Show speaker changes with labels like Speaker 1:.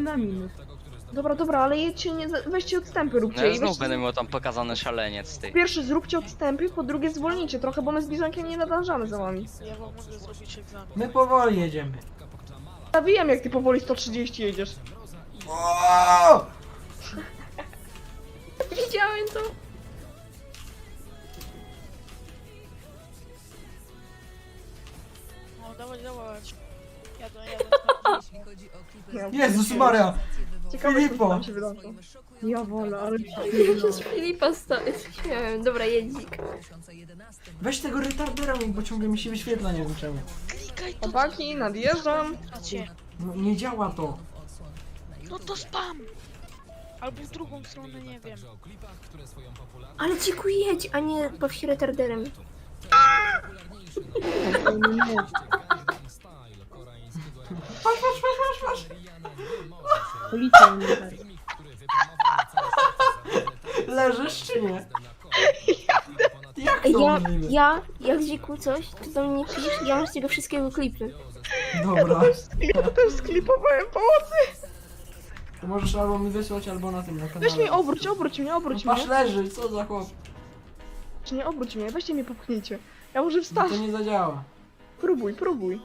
Speaker 1: na minus.
Speaker 2: Dobra, ale jedźcie, nie, weźcie odstępy,
Speaker 3: No
Speaker 2: róbcie.
Speaker 3: ja
Speaker 2: I
Speaker 3: znów
Speaker 2: weźcie,
Speaker 3: będę miał tam pokazany szaleniec, ty.
Speaker 2: po pierwsze zróbcie odstępy, po drugie zwolnijcie trochę, bo my z Bizonkiem nie nadążamy za wami.
Speaker 4: Ja wam mogę zrobić egzamin.
Speaker 5: My powoli jedziemy.
Speaker 2: Ja wiem, jak ty powoli 130 jedziesz.
Speaker 5: O!
Speaker 2: Widziałem to.
Speaker 4: No dawać. Jadę.
Speaker 5: Jezus Maria!
Speaker 2: Ciekawe,
Speaker 5: Filipo!
Speaker 2: co tam się wydarzy. Ja wolę, ale...
Speaker 6: Ja się z Filipa śmiałem. Dobra, jedzik.
Speaker 5: Weź tego retardera, bo ciągle mi się wyświetla, nie wiem czemu.
Speaker 4: Klikaj to.
Speaker 2: Chłopaki, nadjeżdżam.
Speaker 4: Macie.
Speaker 5: No, nie działa to.
Speaker 4: No to spam. Albo w drugą stronę, nie wiem.
Speaker 6: Ale ciku jedź, a nie baw się retarderem.
Speaker 5: Patrz.
Speaker 1: Policja mnie uderza.
Speaker 5: Leżysz czy nie? Jak
Speaker 6: Ej,
Speaker 5: to
Speaker 6: ja,
Speaker 5: możliwe?
Speaker 6: jak dziku coś, to do mnie pisz, ja mam z tego wszystkiego klipy.
Speaker 5: Dobra.
Speaker 2: Ja też sklipowałem pomocy.
Speaker 5: To możesz albo mi wysłać, albo na tym na kanale.
Speaker 2: Weź mnie, obróć mnie.
Speaker 5: Patrz, leży, co za chłop.
Speaker 2: Czy nie, obróć mnie, weźcie mnie popchnijcie. Ja może wstać.
Speaker 5: To nie zadziała.
Speaker 2: Próbuj.